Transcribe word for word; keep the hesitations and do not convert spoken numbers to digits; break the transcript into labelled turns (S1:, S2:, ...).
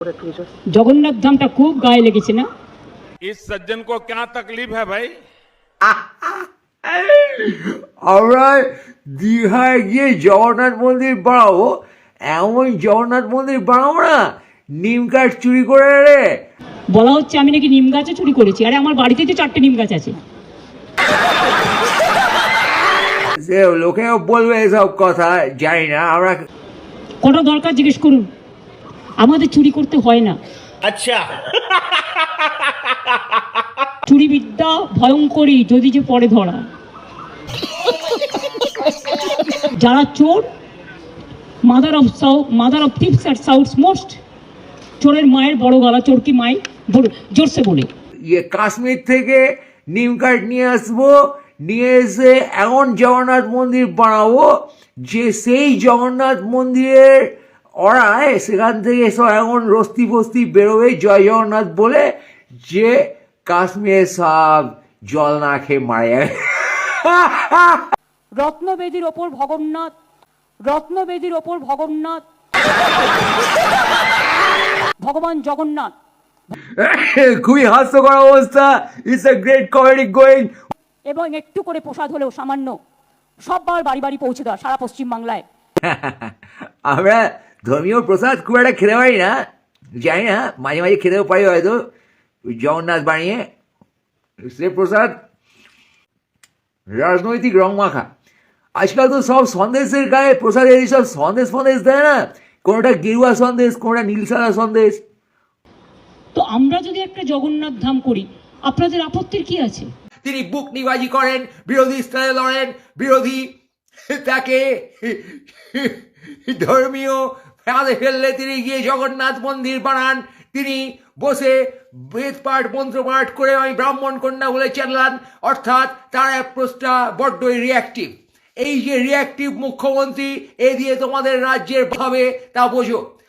S1: জগন্নাথ ধামটা খুব গায়ে লেগেছে না?
S2: इस सज्जन को क्या तकलीफ है भाई?
S3: আমরা দীঘায় গিয়ে জগন্নাথ মন্দির বানাবো, এমন জগন্নাথ মন্দির বানাবো না নিম কাঠ চুরি করে রে।
S1: বলা হচ্ছে আমি নাকি নিম গাছে চুরি করেছি। আরে আমার বাড়িতে তো চারটে নিম গাছ আছে।
S3: সে লোকেও বলবে এসব কথা, জানি না। আমরা
S1: কটা দরকার জিজ্ঞেস করুন, আমাদের চুরি করতে হয় না।
S2: अच्छा
S1: চুরি বিদ্যা ভয়ঙ্করী যদি যে পরে ধরা। যারা চোর, mother of mother of thieves at south's most, চোরের মায়ের বড় গলা, চোর কি মাই জোরসে বলে।
S3: ইয়ে কাশ্মীর থেকে নিম কাঠ নিয়ে আসবো, নিয়ে এসে এমন জগন্নাথ মন্দির বানাবো যে সেই জগন্নাথ মন্দিরের ওরায় সেখান থেকে সব এমন রস্তি ফস্তি বেরোবে জয় জগন্নাথ বলে যে কাশ্মীরের সব জল না খেয়ে মারা যাবে।
S1: রত্নবেদীর ওপর ভগন্নাথ, রত্নবেদীর ওপর ভগন্নাথ, ভগবান জগন্নাথ।
S3: খুবই হাস্যকর অবস্থা। It's a great comedy going.
S1: এবং একটু করে প্রসাদ হলেও সামান্য সববার বাড়ি বাড়ি পৌঁছে দেওয়া সারা পশ্চিম বাংলায়।
S3: আমরা ধর্মীয় প্রসাদ খুব একটা খেতে পারি না, জানি না, মাঝে মাঝে খেতেও পারি হয়তো জগন্নাথ বানিয়ে। সে প্রসাদ রাজনৈতিক রং মাখা। আজকাল তো সব সন্দেশের গায়ে প্রসাদের এইসব সন্দেশ ফন্দেশ দেয় না, কোনোটা গেরুয়া সন্দেশ, কোনোটা নীল সাদা সন্দেশ।
S1: তো আমরা যদি একটা জগন্নাথ ধাম করি, আপনাদের আপত্তির কি আছে?
S3: তিনি বুক নিবাজি করেন, বিরোধী স্থানে লড়েন, বিরোধী তাকে ধর্মীয় ফাঁদে ফেললে তিনি গিয়ে জগন্নাথ মন্দির বানান। তিনি বসে বেদ পাঠ মন্ত্রপাঠ করে আমি ব্রাহ্মণ কন্যা বলে চালান, অর্থাৎ তার অ্যাপ্রোচটা বড্ডই রিয়াক্টিভ। এই যে রিয়াক্টিভ মুখ্যমন্ত্রী, এ দিয়ে তোমাদের রাজ্যের ভাবে তা বোঝো।